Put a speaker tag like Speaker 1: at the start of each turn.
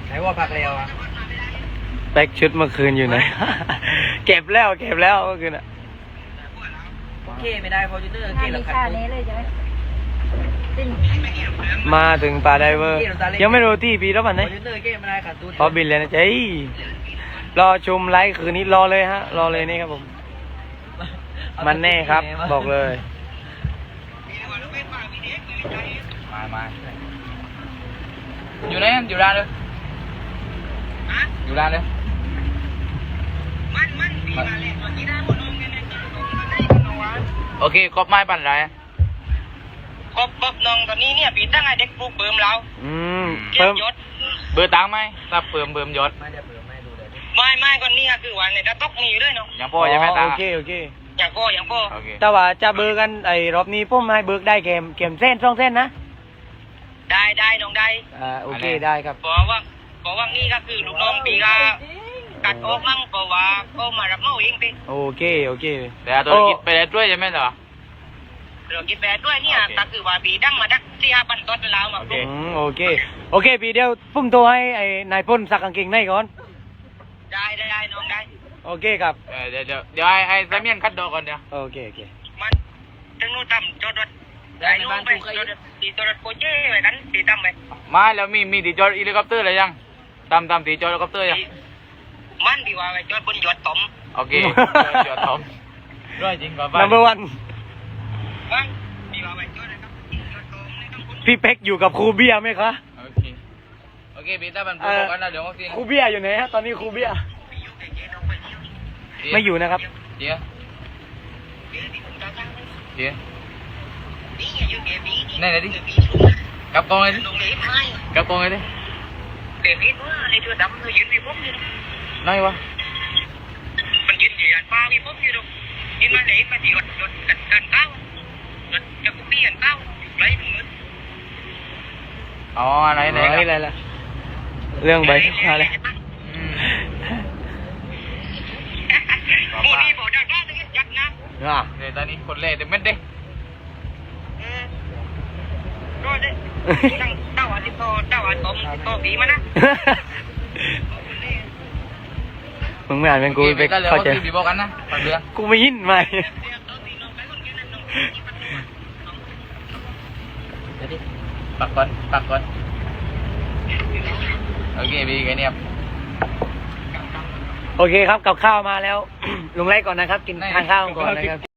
Speaker 1: ไหนว่าพักเร็วอ่ะ
Speaker 2: แบ็กชุดเมื่อคืนอยู่ไหน เก็บแล้วเมื่อคืนอ่ะ
Speaker 1: โอเคไม่ได้พอจูเนอร์เกลับขัด
Speaker 2: มาถึงป่าไดเวอร์ยังไม่รู้ที่ปีแล้วมันไหน
Speaker 1: พอจูเนอร์เกไม่ได้ขัดตูด
Speaker 2: พอบินเลยนะเจ๊รอชมไลฟ์คืนนี้รอเลยฮะรอเลยนี่ครับผมมันแน่ครับบอกเลย
Speaker 3: มาอยู่ไหนอยู่ร้านเลยอยู่ร้านเลยโอเคครบไม้ปั่นไร
Speaker 4: ครบน้องตอนนี้เนี่ยปีตั้งไอเด็กปลูกเบิ่มเรา
Speaker 2: เพิ่ม
Speaker 4: ยศ
Speaker 3: เบอร์ตังไหมถ้าเพิ่มยศ
Speaker 1: ไม่ได้เปลือกไม่ดูเลย
Speaker 4: ไม่ก่อนนี้คือวันเนี่ยจะตกมีอยู่ด้วยเนาะ
Speaker 3: อย่างพ่อยังไม่ตา
Speaker 2: โอเค
Speaker 4: อย่างพ่อ
Speaker 2: แต่ว่าจะเบิกกันไอ้รอบนี้ผมให้เบิกได้เกมเส้น2 เส้นนะ
Speaker 4: ได้น้องได้
Speaker 2: โอเคได้ครับ
Speaker 4: เพราะว่านี่ก็คือลูกน้องปีก็กัดออกมั่งเพราะว่าก็มารับเมาเองไป
Speaker 2: โอเค
Speaker 3: แต่ตัวคิดไปได้ด้วยใช่ไหมเหรอ
Speaker 4: เราคิดไปด้วยเนี่ยก็คือว่าปีดั้งมาดัก4-5 พันต้นแล้วมา
Speaker 2: โอเคปีเดียวพุ่งตัวให้ไอ้นายพ่นสักกางเกงในก่อน
Speaker 4: ได้น้องได้
Speaker 2: โอเคครับ
Speaker 3: เดี๋ยวไอ้ซาเมียนคัดดอกก่อนเดี๋ยว
Speaker 2: โอเค
Speaker 4: มันถึงนู้นทำจอดรถได้ในบ้านกูจอดรถโคเจ้ไปกันตีตั้มไป
Speaker 3: มาแล้วมีตีจอดเฮลิคอปเตอร์อะไรยังตามตีจอดเฮลิคอปเตอร์ยัง
Speaker 4: มันดีว่าไปจอดบนยอดตม
Speaker 3: โอเคยอดตมร้อยจริงกว่า
Speaker 2: นัมเบอร์ 1
Speaker 4: มันดีว่าไปจอดนะครับยอดตมในต้องคุณ
Speaker 2: พี่เป๊กอยู่กับครูเบียร์ไหมคะ
Speaker 3: โอเคปีต้ามันพูดกันนะเดี๋ยว
Speaker 2: ครูเบียร์อยู่ไหนฮะตอนนี้ครูเบียร์ไม่อยู่นะครับ
Speaker 3: เจี๊ยนี่เลยดิกับกองเลยดิกับกองเลยดิ
Speaker 4: เด็กนิดว่าไอ้ตัวดำตัวยืนมีพวกอยู่
Speaker 3: น้อยวะ
Speaker 4: มันยืนอยู่ยันฟ้ามีพวกอยู่ดูนี่มาเลยมาที่รถกันเก้ารถจะกุปี้กันเก้าไรมึง
Speaker 3: อ๋ออะไร
Speaker 2: ล่ะเรื่องใบอะไร
Speaker 4: โมนี่บอกได้ว่าต้องยักนะ
Speaker 3: เดี๋ยวตอนนี้คนเล่เต็มเม็ดดิ
Speaker 4: ก็ได้ตั้งเต้าอันที่โตผีมานะ
Speaker 2: มึงไม่อ่านเป็นกูไป
Speaker 3: เข้าใจบีบอกกันนะปักเรือ
Speaker 2: กูไม่ยินไหม
Speaker 3: ปักก่อนโอเคบีไงเนี่ย
Speaker 2: โอเคครับกับข้าวมาแล้ว ลงไล่ก่อนนะครับกินทานข้าวก่อนนะครับ